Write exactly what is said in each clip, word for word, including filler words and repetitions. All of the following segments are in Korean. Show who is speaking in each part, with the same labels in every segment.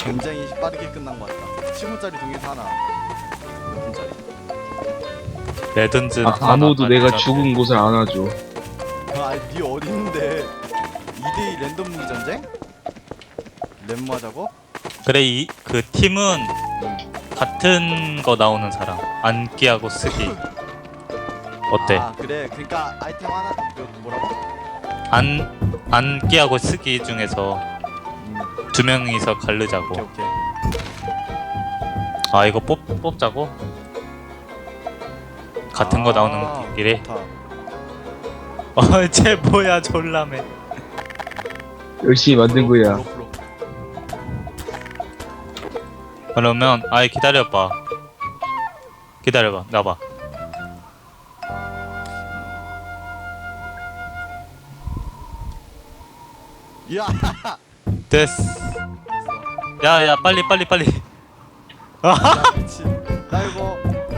Speaker 1: 굉장히 빠르게 끝난 것 같다. 십 분짜리 동에서 하나 몇 분짜리?
Speaker 2: 레든즈
Speaker 3: 아, 아무도 내가 죽은 곳을 안 와줘.
Speaker 1: 아, 니 어디 있는데? 이 대 이 랜덤 무기 전쟁? 랜무 하자고?
Speaker 2: 그래 이 그 팀은
Speaker 1: 응.
Speaker 2: 같은 거 나오는 사람 안기하고 쓰기 어때?
Speaker 1: 아, 그래. 그러니까 아이템 하나 그 뭐라고?
Speaker 2: 안 안기하고 쓰기 중에서
Speaker 1: 음,
Speaker 2: 두 명이서
Speaker 1: 오케이
Speaker 2: 갈르자고.
Speaker 1: 오케이.
Speaker 2: 아 이거 뽑 뽑자고? 같은 거
Speaker 1: 아,
Speaker 2: 나오는 길에.
Speaker 1: 좋다.
Speaker 2: 어쟤 뭐야 졸라매.
Speaker 3: 열심히 만든 거야.
Speaker 1: 프로, 프로.
Speaker 2: 그러면 아이 기다려봐. 기다려봐 나봐.
Speaker 1: 야,
Speaker 2: 됐어. 야야 빨리 빨리 빨리.
Speaker 1: 야, 미친. 나 이거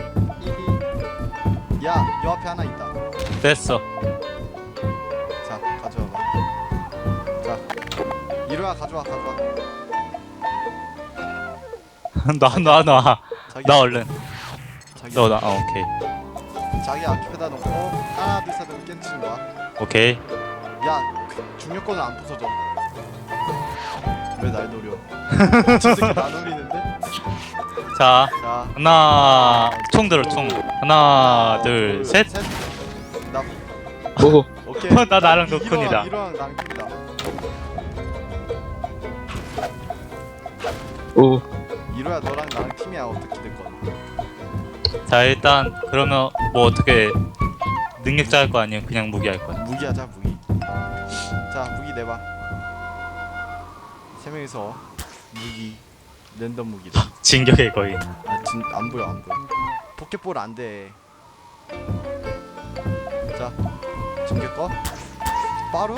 Speaker 1: 이, 야, 요 앞에 하나 있다.
Speaker 2: 됐어.
Speaker 1: 자, 가져와봐. 자, 이로야 가져와, 가져와.
Speaker 2: 놔 놔 놔.
Speaker 1: 자기,
Speaker 2: 나 얼른.
Speaker 1: 자기,
Speaker 2: 너 나. 어, 오케이.
Speaker 1: 자기 앞에다 놓고 하나, 둘, 셋 하면 깨치는 거야.
Speaker 2: 오케이.
Speaker 1: 야, 그 중력권은 안 부서져. 왜 날 노려? 저 새끼 나 노리는데?
Speaker 2: 자
Speaker 1: 자,
Speaker 2: 하나 총 들어 총. 하나 둘 셋.
Speaker 1: 나
Speaker 3: 오,
Speaker 1: 오케이.
Speaker 2: 나 나랑
Speaker 1: 이-
Speaker 2: 노쿤이다.
Speaker 1: 이로랑 이로랑 나랑 팀이다.
Speaker 3: 오,
Speaker 1: 이로야 너랑 나랑 팀이야. 어떻게 될 거야?
Speaker 2: 자 일단 그러면 뭐 어떻게 능력자 할 거 아니면 그냥 무기 할 거야?
Speaker 1: 무기 하자 무기. 자, 무기 내봐. 세 명이서 무기 랜덤 무기다.
Speaker 2: 진격의 거인.
Speaker 1: 아, 진, 안 보여 안 보여. 포켓볼 안 돼. 자, 진격 거. 빠루?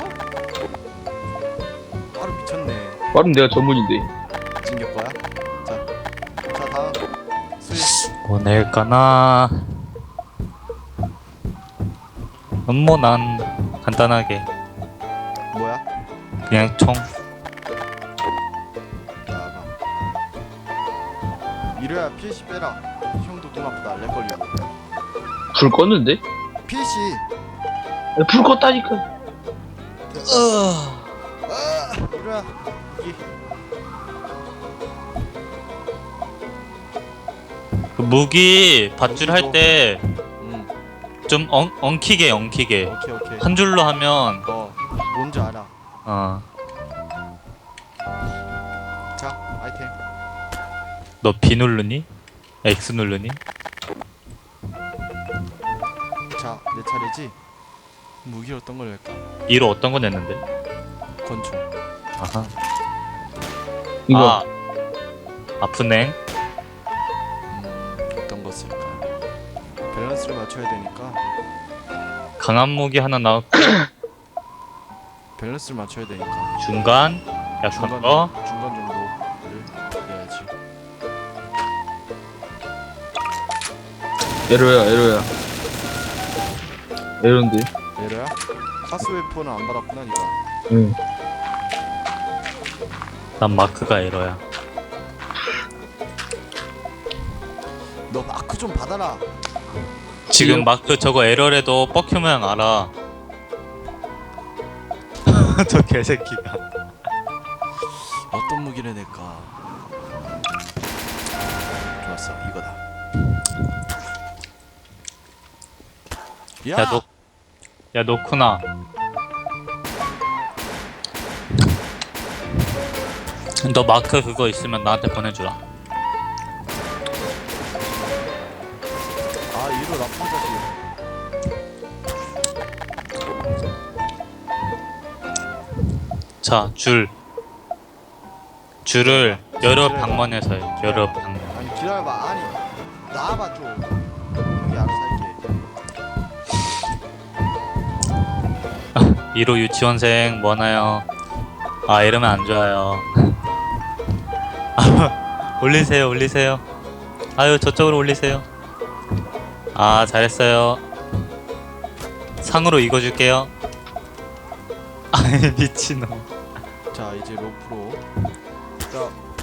Speaker 1: 빠루 미쳤네.
Speaker 3: 빠름 내가 전문인데.
Speaker 1: 진격 거야. 자, 자 다음 수익.
Speaker 2: 뭐 낼까나. 뭐 난 간단하게
Speaker 1: 뭐야?
Speaker 2: 그냥 총.
Speaker 1: 나가. 이래야 피씨 빼라. 형도 눈 아프다. 렉 걸리고.
Speaker 3: 불 껐는데?
Speaker 1: 피씨.
Speaker 3: 야, 불 껐다니까.
Speaker 1: 아, 이래야 이
Speaker 2: 그 무기 밧줄 할 때 좀
Speaker 1: 음,
Speaker 2: 엉키게 엉키게
Speaker 1: 오케이 오케이.
Speaker 2: 한 줄로 하면
Speaker 1: 어, 뭔지 알아.
Speaker 2: 어 너
Speaker 1: 자, 아이템.
Speaker 2: B 누르니? X 누르니?
Speaker 1: 자, 내 차례지. 무기 어떤 걸 낼까?
Speaker 2: 이로 어떤 거 냈는데?
Speaker 1: 권총.
Speaker 2: 아하.
Speaker 3: 이거.
Speaker 2: 아 아프네.
Speaker 1: 음, 어떤 거 쓸까? 밸런스를 맞춰야 되니까
Speaker 2: 강한 무기 하나 나왔고
Speaker 1: 밸런스를 맞춰야 되니까
Speaker 2: 중간 약한
Speaker 1: 중간
Speaker 2: 거.
Speaker 1: 중간 정도를 해야지.
Speaker 3: 에러야, 에러야. 에러인데.
Speaker 1: 얘래야? 카스 웨폰은 안 받았구나 니가.
Speaker 3: 응.
Speaker 2: 난 마크가 에러야.
Speaker 1: 너 마크 좀 받아라.
Speaker 2: 지금
Speaker 3: 이요?
Speaker 2: 마크 저거 에러래도 뻑큐 모양 알아. 저 개새끼가.
Speaker 1: 어떤 무기를 낼까? 좋았어, 이거다. 야,
Speaker 2: 야, 너, 야, 노쿠나. 너 마크 그거 있으면 나한테 보내주라.
Speaker 1: 아, 이로 나쁜 자식.
Speaker 2: 자, 줄. 줄을 여러 방면에서 해. 여러 방면.
Speaker 1: 아니 기다려봐. 아니 나와봐 좀. 형이 알아서 할게.
Speaker 2: 이로 유치원생 뭐하나요? 아, 이러면 안 좋아요. 아, 올리세요, 올리세요. 아유, 저쪽으로 올리세요. 아, 잘했어요. 상으로 이거 줄게요. 아이, 미친놈.
Speaker 1: 자, 이제 로프로. 자,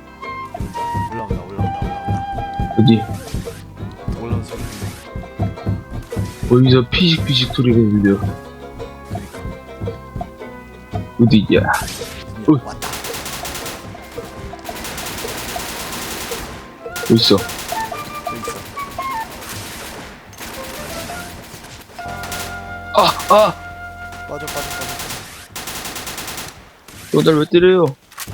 Speaker 3: 어디?
Speaker 1: 올라온 소리 들려.
Speaker 3: 어디서 피식피식 소리가 들려.
Speaker 1: 그러니까.
Speaker 3: 어디야?
Speaker 1: 어. 왔다.
Speaker 3: 어딨어?
Speaker 1: 여기 있어.
Speaker 3: 아! 아!
Speaker 1: 빠져 빠져 빠져.
Speaker 3: 너 날 왜 때려요?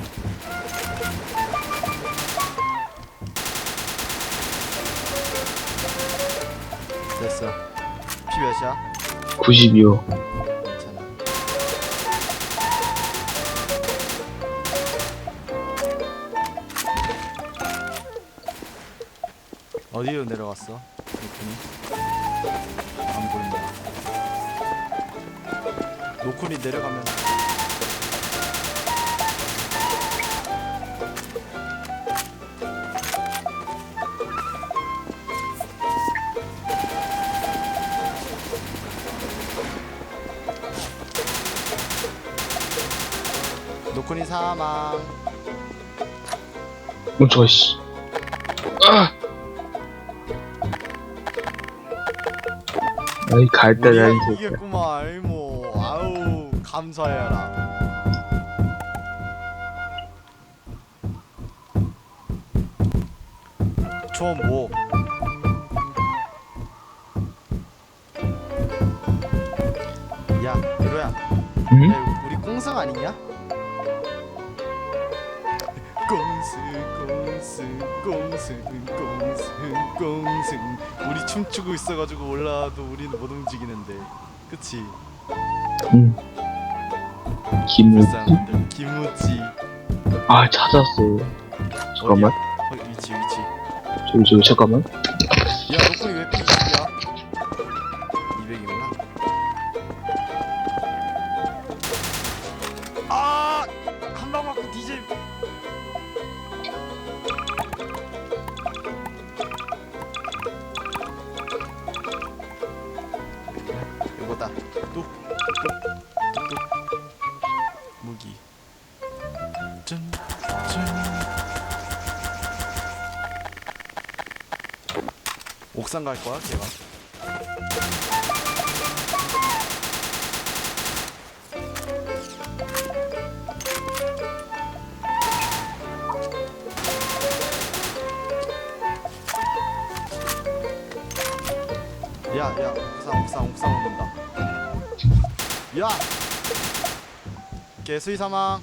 Speaker 1: 됐어. 피 몇이야?
Speaker 3: 구십이요.
Speaker 1: 괜찮아. 어디로 내려갔어? 노쿤이? 안 보인다. 노쿤이 내려가면 노쿤이 사망.
Speaker 3: 멈춰, 씨. 아! 아이, 갈다,
Speaker 1: 우리가
Speaker 3: 야, 이 새끼야.
Speaker 1: 이겼구만. 알모. 아우 감사해라. 저 뭐? 야, 유로야.
Speaker 3: 응?
Speaker 1: 야, 우리 꽁승 아니냐? 꽁승, 꽁승, 꽁승, 꽁승, 꽁승. 우리 춤추고 있어가지고 올라와도 우리는 못 움직이는데, 그치?
Speaker 3: 응. 김우지?
Speaker 1: 불쌍한들. 김우지.
Speaker 3: 아, 찾았어. 잠깐만.
Speaker 1: 어디야? 어, 위치, 위치.
Speaker 3: 저기, 저기, 잠깐만.
Speaker 1: 야, 너프리 왜 피 이십이야? 이백이구나. 아! 한 방 맞고 뒤집. 이거다. 뚝, 뚝, 뚝. 무기. 짠, 짠. 옥상 갈 거야, 걔가? 야, 야, 옥상, 옥상, 옥상 오는다. 야! 개수이 사망.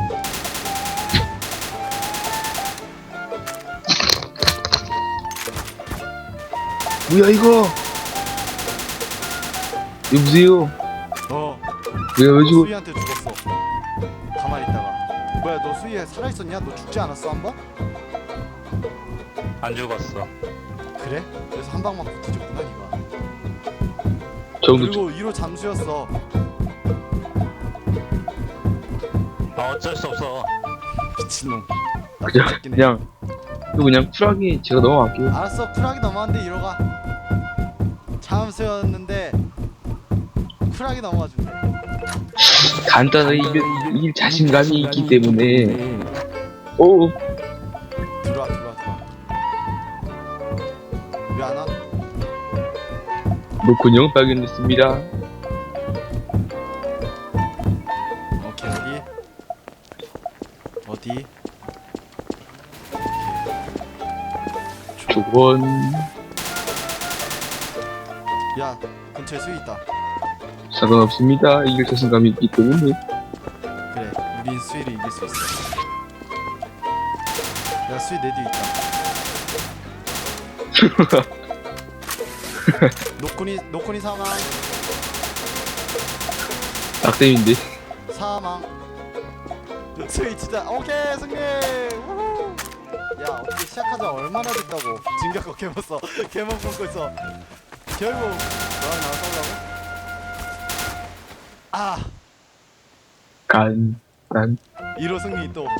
Speaker 3: 뭐야, 이거? 여보세요?
Speaker 1: 어,
Speaker 3: 내가 왜 죽어?
Speaker 1: 수이한테 죽었어. 가만히 있다가. 뭐야, 너 수이 살아있었냐? 너 죽지 않았어, 한 번?
Speaker 2: 안 죽었어.
Speaker 1: 그래? 그래서 한 방 맞고 뒤졌구나, 니가.
Speaker 3: 정도
Speaker 1: 그리고 이로 잠수였어.
Speaker 2: 아 어쩔 수 없어.
Speaker 1: 미친놈. 나
Speaker 3: 그냥,
Speaker 1: 죽긴 해.
Speaker 3: 그냥, 또 그냥 쿨하게 제가 넘어갈게요.
Speaker 1: 알았어, 쿨하게 넘어갔는데 이로 가. 잠수였는데 쿨하게 넘어가 준대.
Speaker 3: 간단하게 이길, 이길 자신감이 있기 때문에. 오,
Speaker 1: 들어와, 들어와, 들어와. 왜 안 와?
Speaker 3: 노콘형 발견됐습니다.
Speaker 1: 오케이, 어디? 어디?
Speaker 3: 조건.
Speaker 1: 야, 근처에 수이 있다.
Speaker 3: 상관없습니다. 이길 자신감이 있기 때문에.
Speaker 1: 그래, 우린 수이를 이길 수 있어. 야, 수이 내 뒤에 있다. 노코니, 노코니 사망.
Speaker 3: 낙뎀인데.
Speaker 1: 사망. 수이 진짜 오케이 승리. 우후. 야, 어떻게 시작하자 얼마나 됐다고. 진격거 개먹었어. 개먹 먹고 있어. 결국 너랑 나랑 싸우려고? 아,
Speaker 3: 간, 간.
Speaker 1: 일 호 승리 또.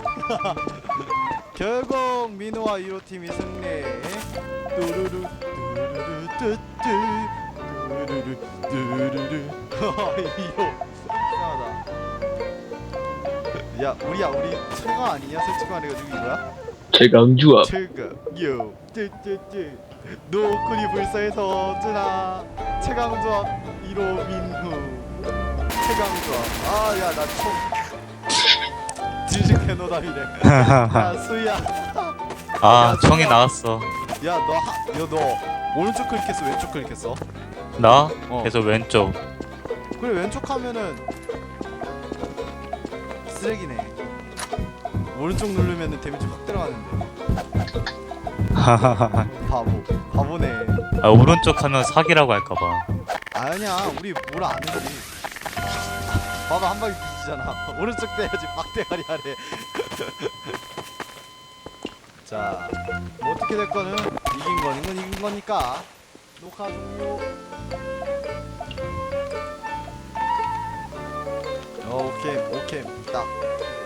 Speaker 1: 결국 민호와 일 호 팀이 승리. 뚜루루 뚜루루 뚜뚜 뚜루루 뚜루루. 일 호 이상하다. 야, 우리야, 우리 최강 아니냐? 솔직히 말해가지고 이거야?
Speaker 3: 최강주압.
Speaker 1: 최강 요 쯔쯔쯔 노군이 불사해서 쯔나 최강조합 일 호 민후 최강조합. 아야 나 총 진심 개노답이래. 야 수희야.
Speaker 2: 아 총이 나왔어.
Speaker 1: 야너너 오른쪽 클릭했어 왼쪽 클릭했어?
Speaker 2: 나
Speaker 1: 어.
Speaker 2: 계속 왼쪽.
Speaker 1: 그래 왼쪽 하면은 쓰레기네. 오른쪽 누르면은 데미지 확 들어가는데. 바보 바보네.
Speaker 2: 아 오른쪽 하면 사기라고 할까봐.
Speaker 1: 아니야 우리 뭐라 안 했지. 봐봐 한 방에 뒤지잖아. 오른쪽 대야지 빡대가리 하래. 자, 뭐 어떻게 될 거는 이긴 거는 건 이긴 거니까 녹화 종료. 어, 오케이 오케이 딱